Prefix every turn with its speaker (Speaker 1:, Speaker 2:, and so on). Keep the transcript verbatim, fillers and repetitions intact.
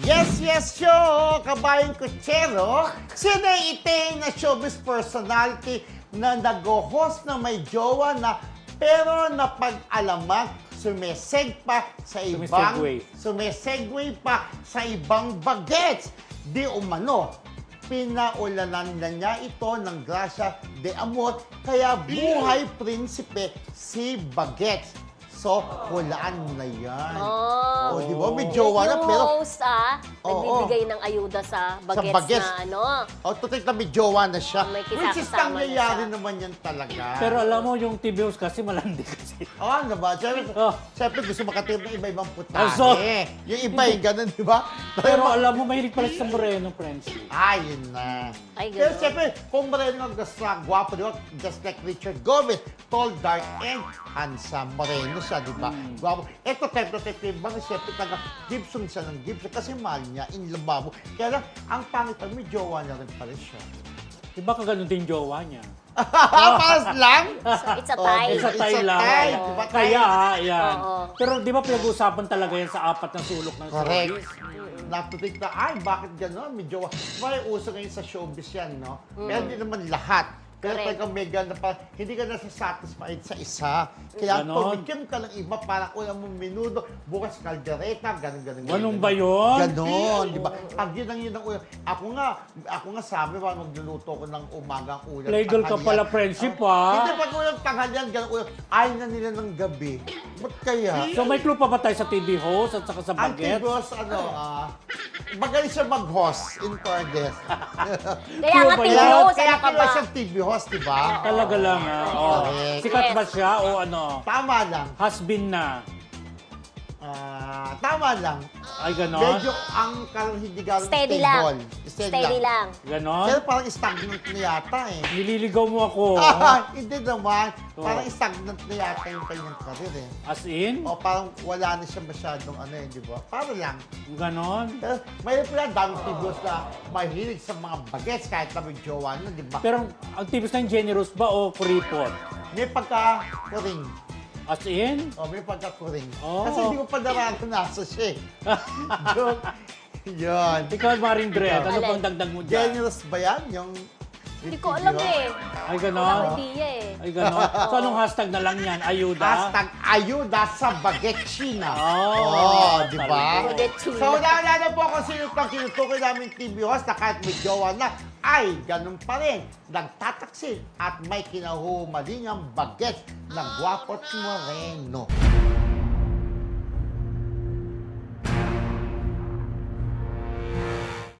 Speaker 1: Yes, yes, show! Kabayang Kutsero, sino ang iting na showbiz personality na nag-host na may jowa na pero napag-alaman sumeseg pa sa ibang
Speaker 2: Sumisegue.
Speaker 1: sumisegue pa sa ibang bagets. Di umano, pinaulanan na niya ito ng grasya de amor, kaya buhay prinsipe si Bagets. So, hulaan mo na yan.
Speaker 3: Oh.
Speaker 1: Oh, di ba? May jowa na,
Speaker 3: Yung
Speaker 1: pero...
Speaker 3: host, ah,
Speaker 1: Oo.
Speaker 3: nagbibigay ng ayuda sa bagets,
Speaker 1: bagets.
Speaker 3: na ano.
Speaker 1: Oh, tutik na may jowa na siya.
Speaker 3: May
Speaker 1: Which is
Speaker 3: kisakasama na
Speaker 1: nangyayari
Speaker 3: siya.
Speaker 1: naman yan talaga.
Speaker 2: Pero alam mo, yung T V host kasi malandi kasi.
Speaker 1: Oh, ano ba? Siyempre,
Speaker 2: Oh.
Speaker 1: siyempre gusto makatip ng iba-ibang putahe.
Speaker 2: Ah, so-
Speaker 1: Yung iba yung ganun, di ba?
Speaker 2: Pero alam mo, mahilig pala sa Moreno, friendship.
Speaker 1: Ah, yun na.
Speaker 3: Ay,
Speaker 1: Pero
Speaker 3: ganun.
Speaker 1: siyempre, kung Moreno ang gusto na gwapo, di ba? Just like Richard Gomez, tall, dark, and handsome. Moreno siya, di ba?
Speaker 2: Hmm.
Speaker 1: Gwapo. Ito, type na type yung bang siyempre taga Gibson siya ng Gibson kasi mahal niya, in lababo. Kaya lang, ang pangit, may jowa na rin pala siya.
Speaker 2: Diba ka ganun din jowa niya?
Speaker 1: Paras lang?
Speaker 3: So, it's a
Speaker 1: Oh,
Speaker 3: tie.
Speaker 2: Isa
Speaker 1: It's a
Speaker 2: tayo lang.
Speaker 1: tie,
Speaker 2: Oo.
Speaker 1: di ba?
Speaker 2: Kaya, yan.
Speaker 3: Oo.
Speaker 2: Pero di ba pinag-uusapan talaga yan sa apat na sulok ng
Speaker 1: Correct.
Speaker 2: showbiz?
Speaker 1: Natutik na, ay, bakit gano'n? May jowa. May uso ngayon sa showbiz yan, no?
Speaker 3: Mm.
Speaker 1: Pero hindi naman lahat. Pero
Speaker 3: Correct.
Speaker 1: talagang may ganda pa, hindi ka nasa-satisfied sa isa. Kaya
Speaker 2: Ganon.
Speaker 1: tumikim ka ng iba, parang ulam mong minudo, bukas kaldereta, gano'n, gano'n.
Speaker 2: Ganun ba yun?
Speaker 1: Ganon, di ba? Pag yun ang yun ang ulam. Ako nga, ako nga sabi, parang magluluto ko ng umagang ulam.
Speaker 2: Playgirl ka
Speaker 1: tanghalian.
Speaker 2: pala, friendship,
Speaker 1: Ah,
Speaker 2: ah.
Speaker 1: Hindi, pag ulam tanghalian, gano'n ulam. Ayaw na nila ng gabi. Ba't kaya?
Speaker 2: So may clue pa ba tayo sa T V host at saka sa
Speaker 1: Ang
Speaker 2: bagets?
Speaker 1: Tibos, ano, ah, magaling siya mag-host in fairness.
Speaker 3: Kaya nga,
Speaker 2: Ano ba
Speaker 3: T V
Speaker 2: yan?
Speaker 3: host,
Speaker 1: Kaya
Speaker 3: ano ka ba?
Speaker 1: kaya siyang T V host, di ba?
Speaker 2: Talaga lang, ha? Oh.
Speaker 1: Correct.
Speaker 2: Sikat ba
Speaker 3: Yes.
Speaker 2: siya o ano?
Speaker 1: Tama lang.
Speaker 2: Has-been na?
Speaker 1: Ah, tama lang.
Speaker 2: Ay, ganon?
Speaker 1: Medyo ang karang hindi gano'n
Speaker 3: Steady
Speaker 1: stable.
Speaker 3: lang.
Speaker 1: Steady,
Speaker 3: Steady lang.
Speaker 2: Ganon?
Speaker 1: Pero parang stagnant na yata eh.
Speaker 2: Nililigaw mo ako.
Speaker 1: Ah, hindi naman.
Speaker 2: Oh.
Speaker 1: Parang stagnant na yata yung kanyang karir eh.
Speaker 2: As in?
Speaker 1: O parang wala na siya masyadong ano eh, di ba? Para lang.
Speaker 2: Ganon?
Speaker 1: Pero may pala daming T V host na mahilig sa mga bagets kahit na may jowa na, di ba?
Speaker 2: Pero ang T V host na yung generous ba o kuripot?
Speaker 1: May pagka-kuring.
Speaker 2: As in?
Speaker 1: Oh, may pagkakuring.
Speaker 2: Oh.
Speaker 1: Kasi hindi ko pa naranasan siya eh. Joke. Yun.
Speaker 2: Ikaw, Maring Dred, ano
Speaker 3: Alin?
Speaker 2: bang dagdag mo dyan?
Speaker 1: Generous ba yan? Yung...
Speaker 3: Hindi ko alam eh.
Speaker 2: Ay,
Speaker 3: Wala
Speaker 2: ganon?
Speaker 3: akong idea eh.
Speaker 2: Ay, ganon? So, anong hashtag na lang yan? Ayuda?
Speaker 1: Hashtag ayuda sa bagetsina.
Speaker 2: Oh,
Speaker 1: Oh, di ba?
Speaker 3: Bagetsina.
Speaker 1: So, naalala po kung sino itong kinutukoy namin T V host na kahit may jowa na, ay ganun pa rin. Nagtataksil at may kinahumaling ang bagets ng Guapo't Moreno.